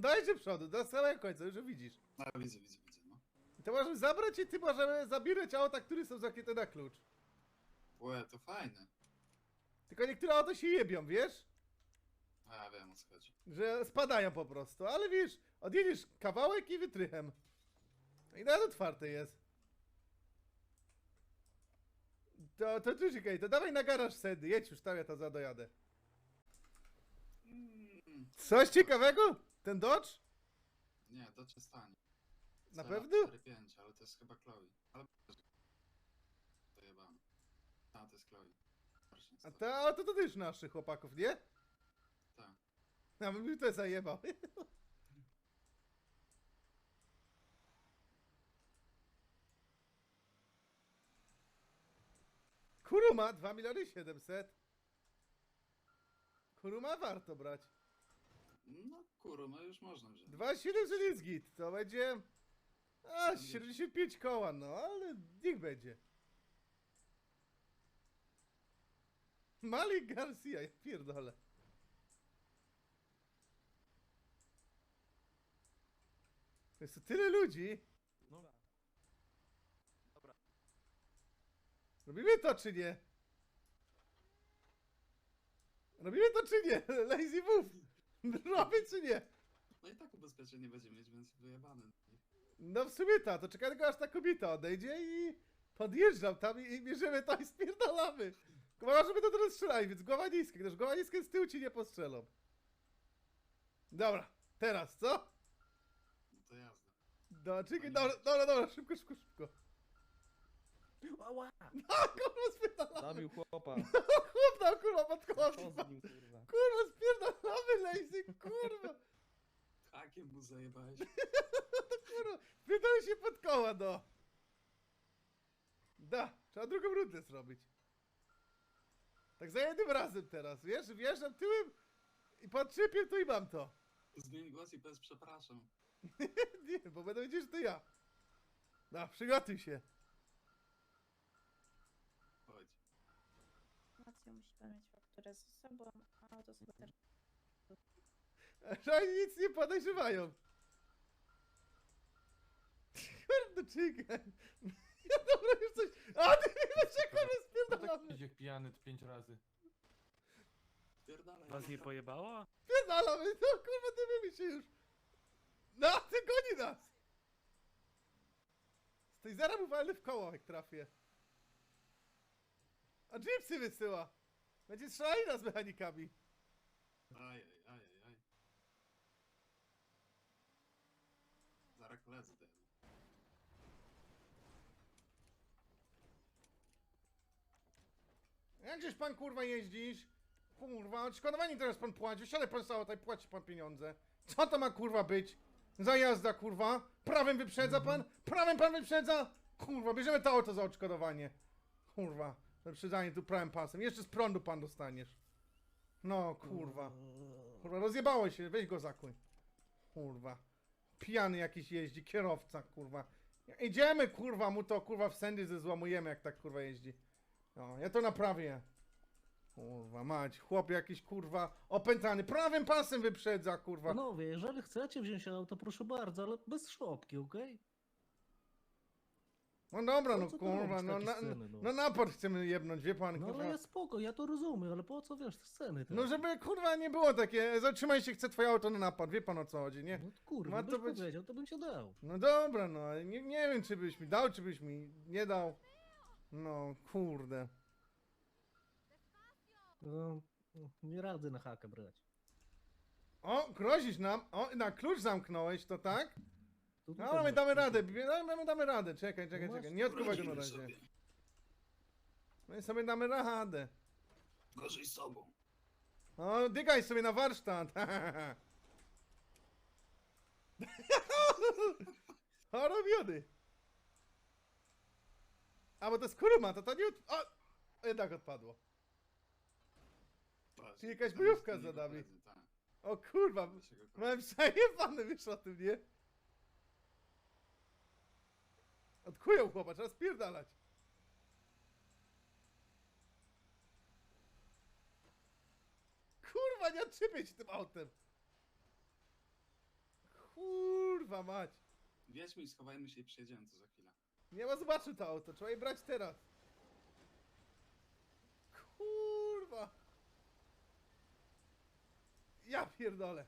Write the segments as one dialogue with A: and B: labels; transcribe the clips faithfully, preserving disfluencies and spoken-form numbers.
A: dajcie przodu, do samego końca, już widzisz.
B: No widzę, widzę, widzę, no.
A: I to możemy zabrać i ty możemy zabierać auta, które są zakryte na klucz.
B: Łe, to fajne.
A: Tylko niektóre auto się jebią, wiesz?
B: A ja wiem o co chodzi.
A: Że spadają po prostu, ale wiesz, odjedziesz kawałek i wytrychem. I nawet otwarte jest. To, to ty czekaj, to dawaj na garaż sedy, jedź już tam, ja to za dojadę.
B: Mm,
A: Coś ciekawego? Ten Dodge?
B: nie, to cię stanie.
A: Na
B: Cela
A: pewno?
B: cztery pięć, ale to jest chyba Chloe. Ale to jebane. A, to jest Chloe. Właśnie,
A: A
B: stary.
A: to, a to, to też naszych chłopaków, nie?
B: Tak.
A: A bym mi to zajebał. Kuruma, dwa miliony siedemset. Kuruma warto brać.
B: No kurwa, już można wziąć.
A: dwa siedemset jest git, to będzie... A, siedemdziesiąt pięć koła, no, ale niech będzie. Malik Garcia, ja pierdolę. To jest tu tyle ludzi.
C: Dobra. Dobra.
A: Robimy to czy nie? Robimy to czy nie? Lazy move. Robię czy nie?
B: No i tak ubezpieczenie będziemy mieć, więc wyjebane.
A: No w sumie ta, to czekaj tylko aż ta kobieta odejdzie i podjeżdżam tam i, i bierzemy to i spierdalamy. Chyba, żeby to teraz strzelali, więc głowa niska, gdyż głowa niska z tyłu ci nie postrzelą. Dobra, teraz co?
B: No to jazda.
A: No, czekaj, dobra, dobra, dobra, szybko, szybko, szybko.
C: Ała!
A: No, kurwa, spierdalamy.
C: Zabił chłopa.
A: Chłop tam, kurwa, pod
C: Co
A: kołami.
C: z nim, kurwa?
A: Kurwa, spierdalamy, Lazy, kurwa.
B: Hakiem mu zajebałeś.
A: Kurwa, spierdolę się pod koła, no. Da, trzeba drugą rundę zrobić. Tak za jednym razem teraz, wiesz? Wjeżdżam tyłem i podczepię to i mam to.
B: Zmień głos i powiedz przepraszam.
A: Nie, bo będę wiedzieć, że to ja. No, przygotuj się.
B: Chodź.
D: Informację musi pan mieć fakturę ze sobą, a auto sobie też.
A: Że oni nic nie podejrzewają. Kurde, czekaj. Ja dobra, już coś... A, ty wiesz, jak on
E: No
A: spierdalamy.
E: tak idzie jak pijany pięć razy.
B: Pierdalaj.
F: Was nie pojebało?
A: Spierdalamy, no kurwa, dymimy się już. No, ty goni nas. Z tej zera mu walny w koło, jak trafię. A Gypsy wysyła. Będzie strzelanina z mechanikami.
B: Aj, aj, aj, aj. Zaraz koledzy dają.
A: Jakżeś pan kurwa jeździsz? Kurwa, odszkodowanie teraz pan płaci. Wysiadaj pan z auta i płaci pan pieniądze. Co to ma kurwa być? Za jazda kurwa? Prawem wyprzedza pan? Prawem pan wyprzedza? Kurwa, bierzemy to auto za odszkodowanie. Kurwa, wyprzedzanie tu prawym pasem. Jeszcze z prądu pan dostaniesz. No kurwa. Kurwa, rozjebało się, weź go zakuj. Kurwa. Pijany jakiś jeździ, kierowca kurwa. Idziemy kurwa, mu to kurwa w sędy zezłamujemy jak tak kurwa jeździ. No, ja to naprawię. Kurwa mać, chłop jakiś kurwa opętany, prawym pasem wyprzedza kurwa.
F: Panowie, jeżeli chcecie wziąć auto, proszę bardzo, ale bez szopki, okej?
A: No dobra,
F: Po
A: no
F: co tu
A: kurwa,
F: robić
A: no,
F: takie
A: na,
F: sceny, no?
A: no napad chcemy jebnąć, wie pan
F: No
A: kurwa.
F: ale ja spoko, ja to rozumiem, ale po co wiesz, te sceny teraz?
A: No żeby kurwa nie było takie, zatrzymaj się, chcę twoje auto na napad, wie pan o co chodzi, nie?
F: No to kurwa,
A: Ma
F: byś
A: to być-
F: powiedział, to bym cię dał.
A: No dobra, no, ale nie, nie wiem czy byś mi dał, czy byś mi nie dał. No kurde.
F: No, nie radzę na hakę brać.
A: O, grozisz nam, o, na klucz zamknąłeś, to tak?
F: To
A: No,
F: tutaj
A: my
F: masz
A: damy
F: kluczyk.
A: radę, bie- no, my damy radę, czekaj, czekaj,
F: No
A: czekaj,
F: masz-
A: nie odkuwaj go na
B: Groźmy
A: razie.
B: sobie.
A: My sobie damy radę.
B: Gorzej z sobą.
A: No, dygaj sobie na warsztat. O, robiony. A, bo to jest kuruma, to to nie... Od... O! Jednak odpadło.
B: Patrz,
A: Czy jakaś
B: tam
A: bojówka
B: jest
A: za
B: innego
A: nami?
B: koledzy, tak.
A: O kurwa,
B: Naszego koledzy.
A: mam przejebane, wiesz o tym, nie? Odkują chłopa, trzeba spierdalać. Kurwa, nie odczepię się tym autem. Kurwa mać.
B: Wiedźmy i schowajmy się i przyjedziemy tu za chwilę.
A: Nie ma zobaczył to auto, trzeba je brać teraz. Kurwa. Ja pierdolę.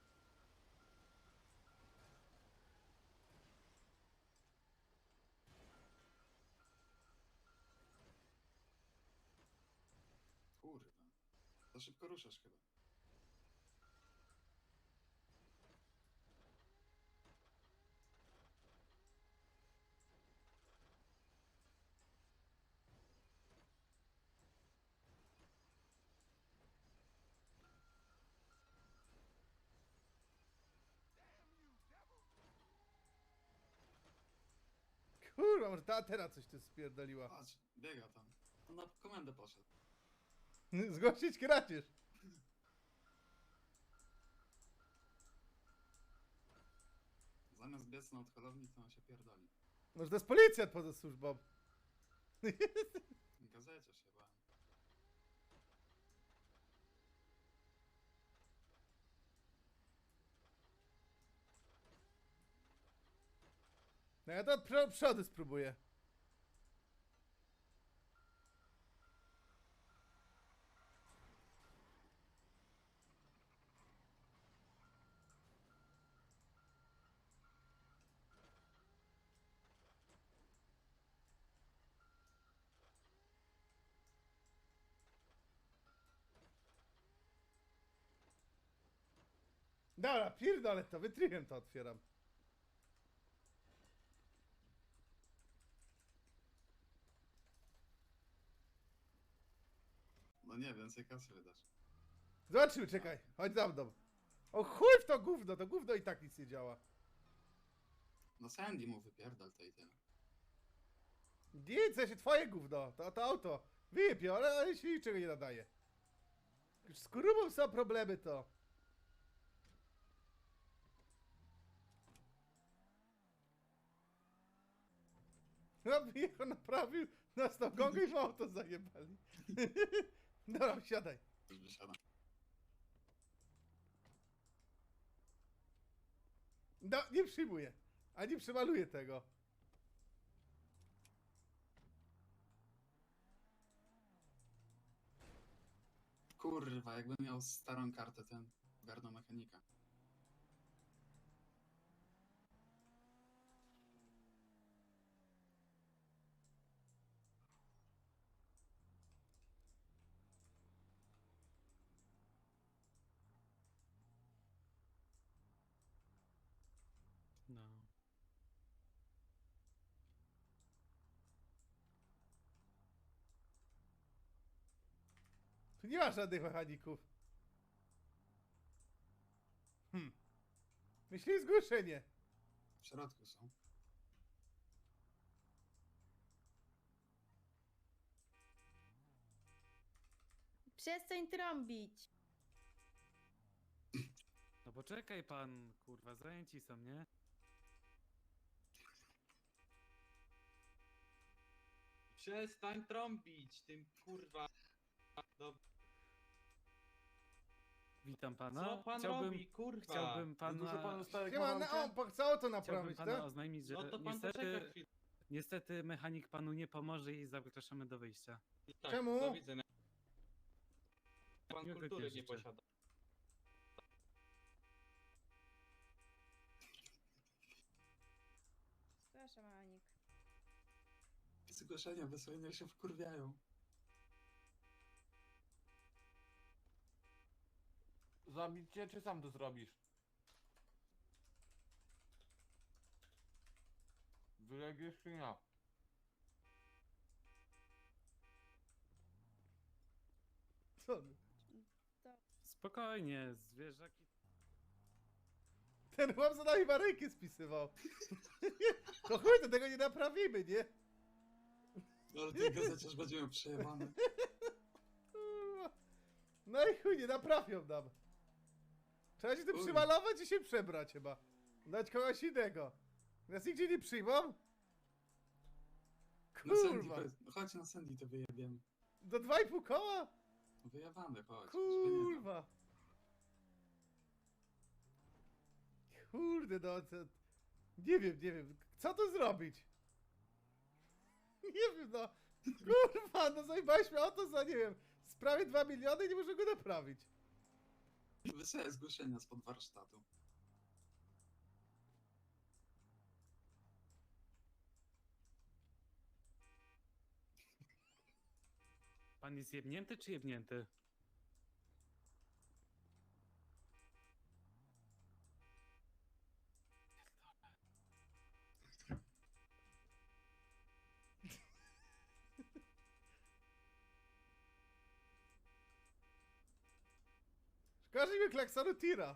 B: Kurwa. Za szybko ruszasz chyba.
A: Kurwa, może ta teraz coś tu spierdoliła.
B: Patrz, biega tam. On na komendę poszedł.
A: Zgłosić kradzież.
B: Zamiast biec na odholowni, to on się pierdoli.
A: Może to jest policjant poza służbą.
B: W gazecie się bałem.
A: No ja to od pr- przodu spróbuję. Dobra, pierdolę to, wytrychem to otwieram.
B: No nie, więcej kasy wydasz.
A: Zobaczymy, czekaj, chodź za mną. O chuj w to gówno, to gówno i tak nic nie działa.
B: No Sandy mu wypierdal to i tyle.
A: Nic, się twoje gówno, to, to auto. Wyjebie, ale, ale się niczego nie nadaje. Już z kurubą są problemy to. No jechał, naprawił, nas tam gongę i w auto zajebali. Dobra, siadaj.
B: Już wysiada.
A: No, nie przyjmuję. Ani przemaluję tego.
B: Kurwa, jakbym miał starą kartę, ten ogarnął mechanika.
F: No.
A: Tu nie ma żadnych mechaników. Hmm. Myśli zgłoszenie.
B: W środku są.
D: Przestań trąbić.
E: No poczekaj pan, kurwa, zajęci są, nie?
G: Przestań trąbić tym kurwa. Do...
E: Witam pana.
G: Co pan
E: chciałbym,
G: robi, kurwa?
E: chciałbym pana,
C: Dużo panu starego
A: Nie ma na on, chce auto
E: chciałbym
A: naprawić,
E: pana
A: tak?
E: oznajmić, że
G: No to pan
E: niestety,
G: poczeka chwilę.
E: niestety mechanik panu nie pomoże i zapraszamy do wyjścia.
G: Tak,
A: Czemu?
G: Do widzenia. Pan
E: Miłego
G: kultury
E: dnia
G: nie
E: życzę.
G: posiada.
D: Przepraszam, Anik.
B: Zgłoszenia wysłane się wkurwiają.
C: Zabić cię, czy sam to zrobisz? Wylegiesz czy nie?
A: Co?
E: Spokojnie, zwierzaki...
A: Ten chłop za nami baryjki spisywał. To chuj, to tego nie naprawimy, nie?
B: No ale tej gazecie już będziemy przejebane.
A: Kurwa. No i chuj, nie naprawią nam. Trzeba się tu
B: Uj.
A: przymalować i się przebrać chyba. Dać kogoś innego. Nas nigdzie nie przyjmą?
B: Na Sandy,
A: Kurwa.
B: powiedz- no chodź na Sandy to wyjebiemy.
A: Do dwa i pół koła?
B: Wyjebane, chodź. żeby nie dał.
A: Kurwa. Kurde, no to... Nie wiem, nie wiem. Co tu zrobić? Nie wiem, no. Kurwa, no zajebałeś mnie o to za, nie wiem, z prawie dwa miliony i nie może go naprawić.
B: Wysłałem zgłoszenia spod warsztatu.
E: Pan jest jebnięty czy jebnięty?
A: Każdy mi klaksonu tira.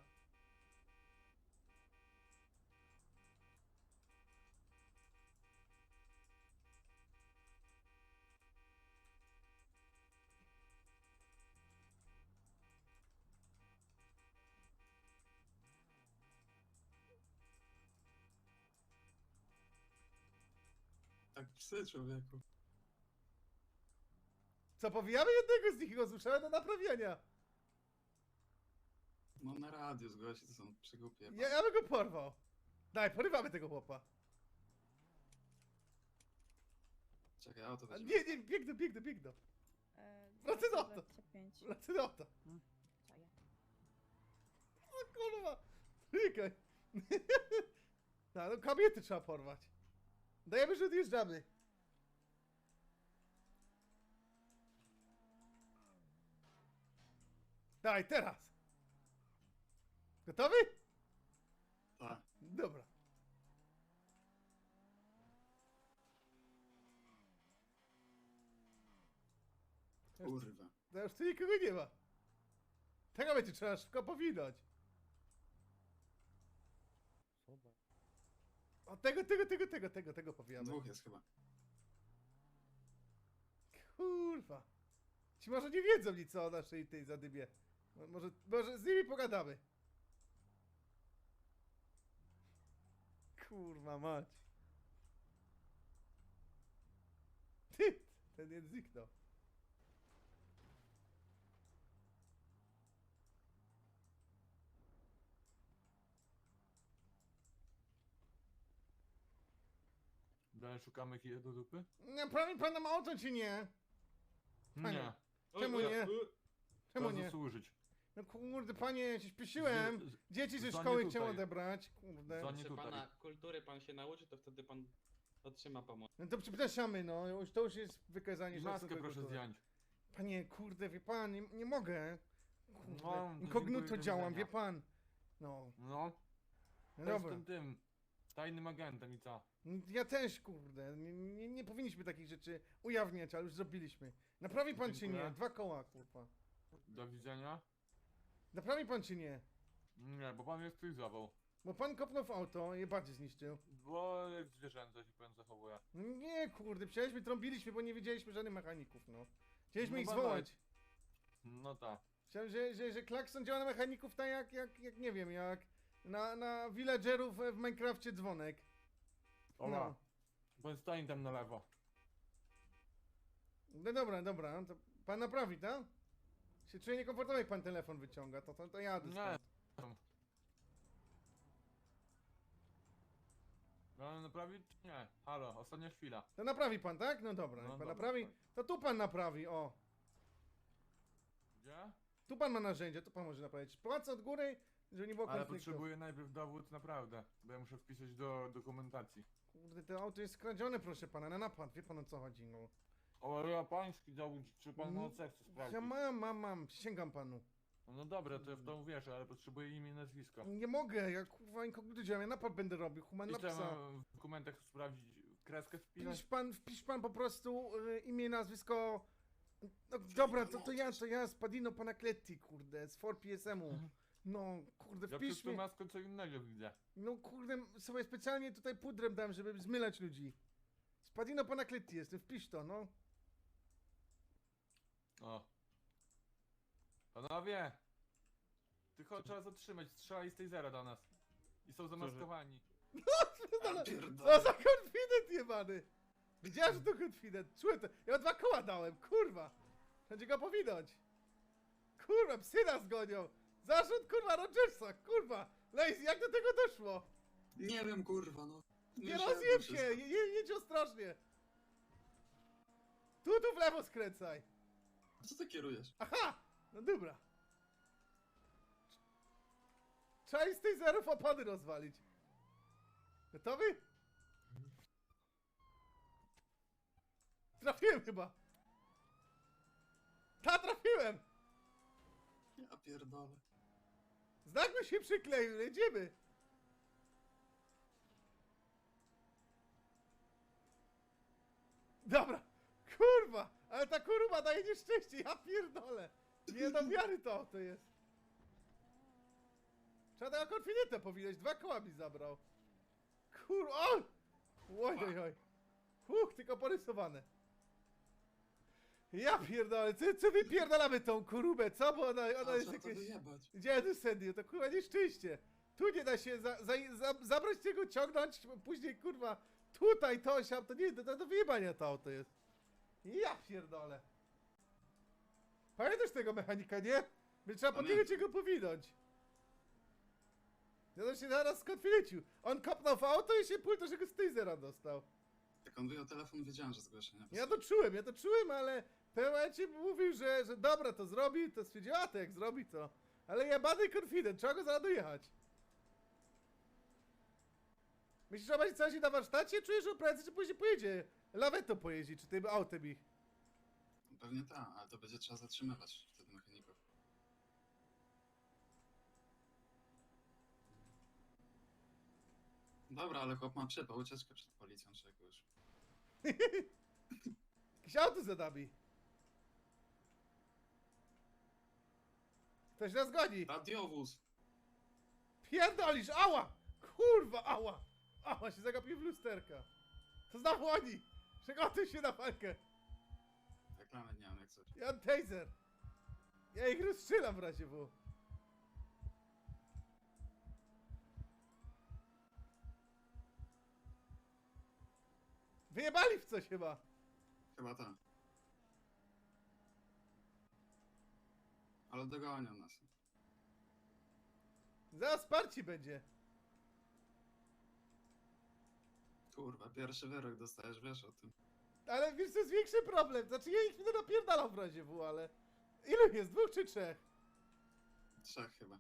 B: Tak psy, człowieku.
A: Co, powijamy jednego z nich i go zmuszamy do naprawienia.
B: No na radio zgłosi, to są przygłupie.
A: Ja, ja bym go porwał. Daj, porywamy tego chłopa.
B: Czekaj, auto
A: A
B: weźmie.
A: nie, nie, biegnę, biegnę, biegnę.
D: E,
A: Wracaj do auta.
D: dwadzieścia pięć.
A: Lecę do auta.
D: Czaję.
A: O kurwa. Czekaj. No, no kobiety trzeba porwać. Dajemy, że odjeżdżamy. Daj, teraz. Gotowy?
B: Tak.
A: Dobra.
B: Kurwa.
A: No już tu nikogo nie ma. Tego będzie trzeba szybko powinąć. O, tego, tego, tego, tego, tego, tego powijamy.
B: Dwóch jest chyba.
A: Kurwa. Ci może nie wiedzą nic o naszej tej zadybie. No, może, może z nimi pogadamy. Kurwa mać. Ty, ten nie zniknął.
C: Dalej szukamy kije do dupy?
A: Naprawi pan nam auto czy nie? Panie.
C: Nie.
A: Czemu nie? Czemu
C: Trzeba
A: nie?
C: zasłużyć.
A: No kurde panie, ja się śpieszyłem.
C: Z- z-
A: Dzieci ze
C: za nie
A: szkoły
C: tutaj.
A: chciałem odebrać. Kurde.
C: Za nie
G: Proszę
C: tutaj.
G: pana, kultury pan się nauczy, to wtedy pan otrzyma pomoc.
A: No to przepraszamy, no. Już, to już jest wykazanie
C: Maskę
A: szacunku
C: proszę
A: kultury.
C: zdjąć.
A: Panie, kurde, wie pan, nie, nie mogę. Kurde,
C: No, to
A: inkognito
C: dziękuję, do
A: działam,
C: widzenia.
A: wie pan. No,
C: No,
A: no dobra.
C: jestem tym tajnym agentem i co?
A: Ja też, kurde. Nie, nie, nie powinniśmy takich rzeczy ujawniać, ale już zrobiliśmy. Naprawi pan czy
C: Dziękuję.
A: nie? Dwa koła, kurwa.
C: Do widzenia?
A: Naprawi pan czy nie?
C: Nie, bo pan jest stylizował.
A: Bo pan kopnął w auto i je bardziej zniszczył.
C: Bo jak zwierzęta się pan zachowuje.
A: No nie, kurde, przecież trąbiliśmy, bo nie wiedzieliśmy żadnych mechaników, no. Chcieliśmy
C: No
A: ich
C: badaj.
A: zwołać.
C: No tak.
A: Chciałem, że, że, że klakson działa na mechaników tak jak, jak, jak nie wiem, jak na, na villagerów w Minecrafcie dzwonek.
C: Ola,
A: No.
C: pan stoi tam na lewo.
A: No dobra, dobra, to pan naprawi, tak? Się czuję niekomfortowo, jak pan telefon wyciąga, to, to, to jadę
C: Nie.
A: stąd.
C: No naprawić czy nie? Halo, ostatnia chwila.
A: To naprawi pan, tak? No dobra,
C: No
A: jak pan
C: dobra,
A: naprawi,
C: tak.
A: to tu pan naprawi, o.
C: Gdzie?
A: Tu pan ma narzędzie, tu pan może naprawić. Płacę od góry, żeby nie było
C: Ale
A: konfliktu.
C: potrzebuję najpierw dowód naprawdę, bo ja muszę wpisać do dokumentacji.
A: Kurde, to auto jest skradzione, proszę pana, na napad, wie pan o co chodzi, no.
C: O, ja pański dowód, czy pan
A: Mm,
C: ma chce sprawdzić?
A: Ja mam, mam, mam, przysięgam panu.
C: No dobra, to ja w to uwierzę, ale potrzebuję imię i nazwisko.
A: Nie mogę, ja kurwa inkognito działam, ja napad będę robił, human
C: I
A: na
C: co, ja
A: psa.
C: mam w dokumentach sprawdzić, kreskę
A: Wpisz
C: wpisać?
A: pan, wpisz pan po prostu y, imię, nazwisko. No dobra, to, to ja, to ja, Spadino Panacletti, kurde, z four P S M-u. No, kurde,
C: Ja
A: wpisz
C: przez to
A: mnie.
C: maskę co innego widzę.
A: No kurde, sobie specjalnie tutaj pudrem dam, żeby zmylać ludzi. Spadino Panacletti jestem, wpisz to, no.
C: O. Panowie! Tylko trzeba zatrzymać, strzelali z tej zera do nas. I są zamaskowani.
B: Ja
A: Co
B: pierdolę.
A: za konfident jebany! Widziałem, że to konfident, czułem to. Ja dwa koła dałem, kurwa! Będzie go powinąć. Kurwa, psy nas gonią! Zarzut, kurwa, Rogersa, kurwa! Lazy, jak do tego doszło?
B: Nie wiem, kurwa, no.
A: Nie
B: Wyszedłem
A: rozjeb
B: wszystko.
A: się! Je, je, jedź ostrożnie! Tu, tu w lewo skręcaj!
B: A co ty kierujesz?
A: Aha! No dobra. Trzeba z tej zerów opony rozwalić. Gotowy? Trafiłem chyba. Ta, trafiłem!
B: Ja pierdolę.
A: Znak mi się przykleił, jedziemy. Dobra. Kurwa, ale ta kurwa daje nieszczęście, ja pierdolę. Nie do wiary to auto jest. Trzeba tego konfidenta powinąć, dwa koła mi zabrał. Kurwa, oj! Oj, oj, oj. Huch, tylko porysowane. Ja pierdolę, co, co wypierdalamy tą kurubę, co? Bo ona, ona
B: A
A: jest
B: trzeba to
A: jakieś...
B: wyjebać.
A: Gdzie tu Sandy? To kurwa nieszczęście. Tu nie da się za, za, za, zabrać tego, ciągnąć, później kurwa tutaj to, siam, to nie, to, to do wyjebania to auto jest. Ja pierdolę. Pamiętasz tego mechanika, nie? By trzeba
B: Pamiętam.
A: podjechać go powinąć. Ja to się zaraz skonfilecił. On kopnął w auto i się pulto, że go z tej zera dostał.
B: Jak on wyjął telefon, wiedziałem, że zgłoszenia.
A: Ja to czułem, ja to czułem, ale w tym momencie mówił, że, że dobra, to zrobi, to stwierdził, a to jak zrobi, to. Ale jebany confident, trzeba go zaraz dojechać. Myślisz, że będzie coś na warsztacie? Czujesz, że prędzej czy później pojedzie? Lawetą pojeździ, czy tym autem ich.
B: Pewnie tak, ale to będzie trzeba zatrzymywać wtedy mechaników. Dobra, ale chłop ma przypał, ucieczkę przed policją, czy jakoś.
A: Jakieś auto za nami. Ktoś nas goni.
B: Radiowóz!
A: Pierdolisz, ała! Kurwa, ała! Ała, się zagapił w lusterka. To znowu oni! Przygotuj się na walkę.
B: Reklamy nie mam jak coś.
A: Ja mam taser. Ja ich rozstrzelam w razie W. Wyjebali w coś chyba.
B: Chyba tak. Ale dogonią nas.
A: Zaraz wsparci będzie.
B: Kurwa, pierwszy wyrok dostajesz, wiesz o tym.
A: Ale wiesz, to jest większy problem. Znaczy ja ich będę napierdalał w razie W, ale... Ilu jest? Dwóch czy trzech?
B: Trzech chyba.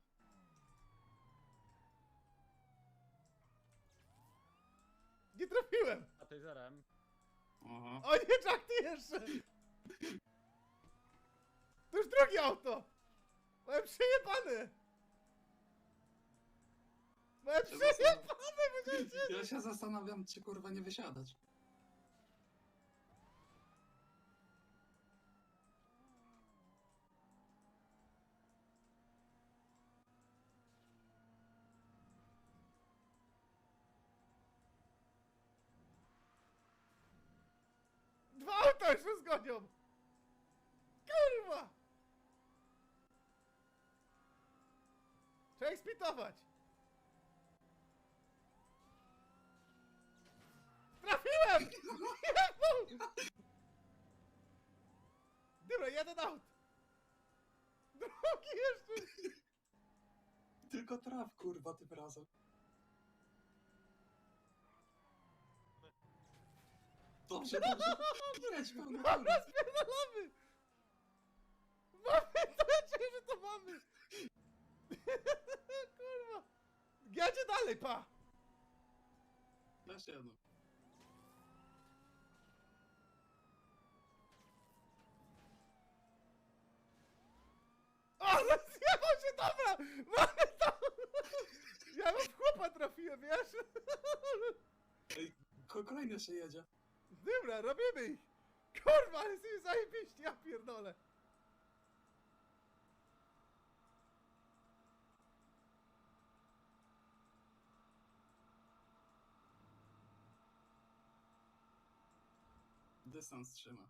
A: Nie trafiłem!
G: A tej zerem.
B: Oho.
A: O nie, Jack, ty jeszcze! To już drugie auto! Mam przejebane! Mam
B: Się
A: przejebane,
B: zastanawiam-
A: powiedziałem ci!
B: Ja się zastanawiam, czy kurwa nie wysiadać.
A: Dwa auta już nas gonią! Kurwa! Trzeba ich spitować! Trafiłem! Jebał! Dobra, jeden aut! Drugi jeszcze!
B: Tylko traf, kurwa, tym razem. Dobrze, dobrze. Jedź, pełno
A: Dobra,
B: kurwa.
A: spierdalamy! Mamy to, ja czuję, że to mamy! Kurwa! Jedzie dalej, pa!
B: Jeszcze jedno.
A: O, rozjechał się, dobra! Mamy to! Ja w chłopa trafiłem, wiesz?
B: Ej, ko- kolejny jeszcze jedzie.
A: Dobra, robimy ich! Kurwa, ale jesteśmy zajebiści, ja pierdolę!
B: Dystans trzyma.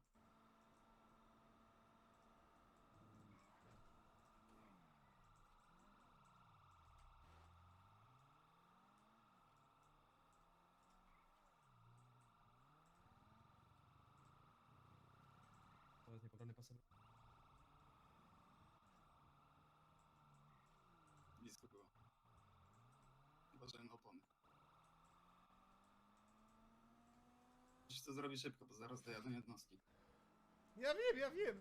H: To jest niepobrany pasem.
B: Blisko było. Uważaj na opony. to zrobi szybko, bo zaraz dojadą jednostki.
A: Ja wiem, ja wiem.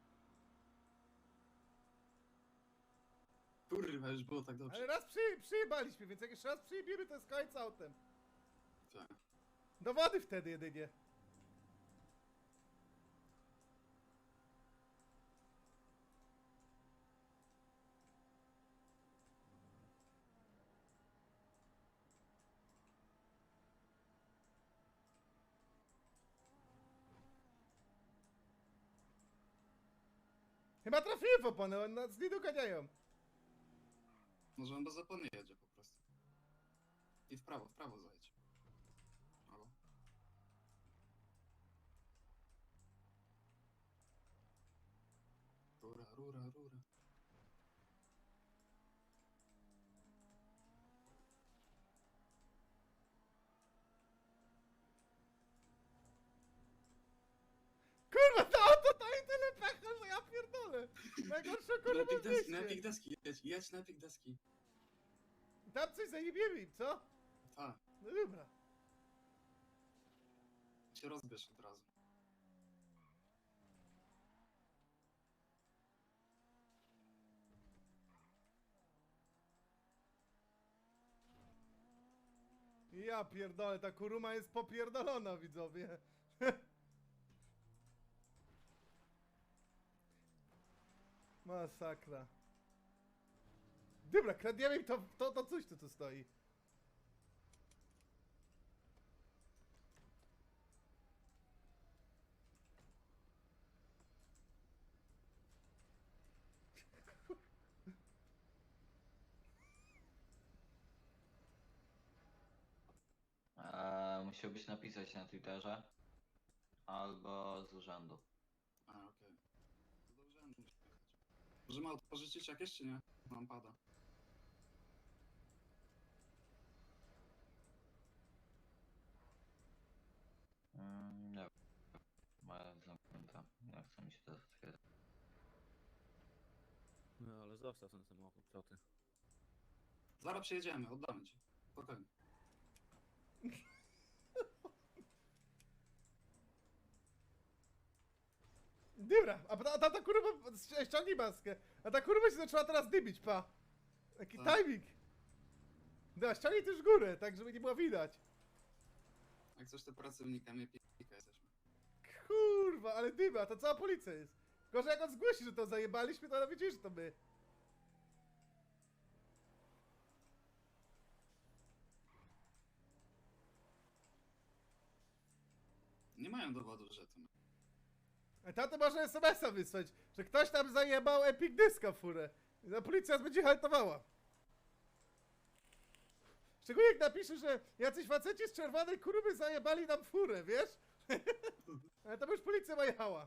B: Kurwa, już było tak dobrze.
A: Ale raz przy, przyjebaliśmy, więc jak jeszcze raz przyjebiemy, to jest koniec autem.
B: Tak.
A: Do wody wtedy jedynie. Chyba trafiłem w oponę, oni nas nie doganiają.
B: Może on bez opony jedzie po prostu. I w prawo, w prawo zajedź. Halo? Rura, rura, rura.
A: Kurwa, to auto daje tyle pecha, że ja pierdolę. Najgorsze kurwa
B: Na pik
A: w
B: deski, na
A: mieście.
B: pik deski, jedź, jedź na pik deski.
A: Tam coś zajebiemy im, co?
B: Tak,
A: No dobra.
B: się rozbierz od razu.
A: Ja pierdolę, ta kuruma jest popierdolona, widzowie. Masakra. Dobra, kradniemy im to, to, to coś, co tu stoi.
H: Eee, musiałbyś napisać na Twitterze albo z urzędu.
B: A, okej. To do urzędu muszę jechać. Możemy auto pożyczyć jakieś, czy nie? Mam pada.
H: Mm, nie wiem. Moja zamknięta. Nie chce mi się teraz otwierać.
F: No ale zostaw ten samochód, co ty?
B: Zaraz przyjedziemy, oddamy ci. Spokojnie.
A: Dobra, a ta, ta, ta kurwa, ściągnij maskę. A ta kurwa się zaczęła teraz dymić, pa. Taki
B: Tak.
A: timing. Dobra, ściągnij też górę, tak żeby nie było widać.
B: Jak coś, to pracownikami pika jesteśmy.
A: Kurwa, ale dyma, to cała policja jest. Gorzej jak on zgłosi, że to zajebaliśmy, to ona wiedzieli, że to my.
B: Nie mają dowodu, że to my.
A: A tato może es em es a wysłać, że ktoś tam zajebał Epic Dyska w furę. I policja będzie haltowała. Szczególnie jak napisze, że jacyś faceci z czerwonej kuruby zajebali nam furę, wiesz? Ale to by już policja ma jechała.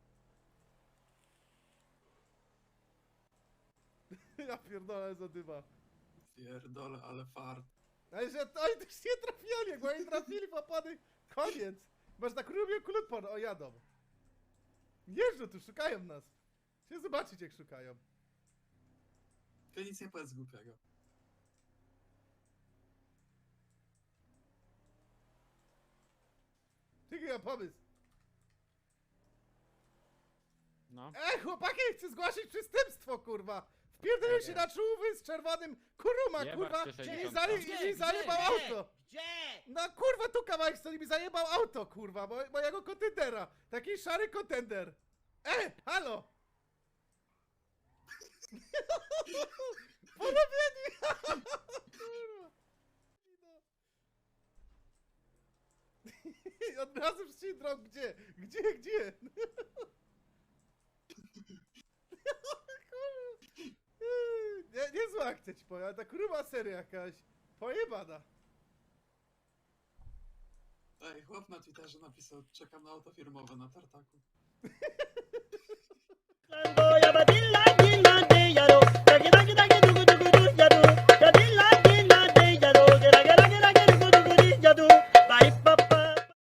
A: Ja pierdolę za dyma.
B: Pierdole, ale fart.
A: Ale że to oni też nie trafiali, jak oni trafili w opony, koniec. Masz na kurubie kulutpon, o jadą. Jeżdżą tu, szukają nas. Chcę zobaczyć jak szukają.
B: To nic nie powiedz głupiego.
A: Jaki ja pomysł?
F: No.
A: Ej, chłopaki, chcę zgłosić przestępstwo, kurwa! Wpierdolił się na czołówy z czerwonym kuruma,
I: Jebać
A: kurwa!
I: cię
A: I
I: sześćdziesiąt.
A: zali,
I: Gdzie?
A: i zajebał
I: Gdzie?
A: auto!
I: Gdzie?
A: No kurwa, tu kawałek stoi mi zajebał auto, kurwa, mo mojego kontendera! Taki szary kontender! E, halo! Porobieni! Kurwa! No. Od razu w syndrom, gdzie? Gdzie, gdzie? Nie, niezła akcja ci powiem, ale ta kurwa seria jakaś pojebana.
B: Ej, chłop na Twitterze napisał, czekam na auto firmowe na tartaku.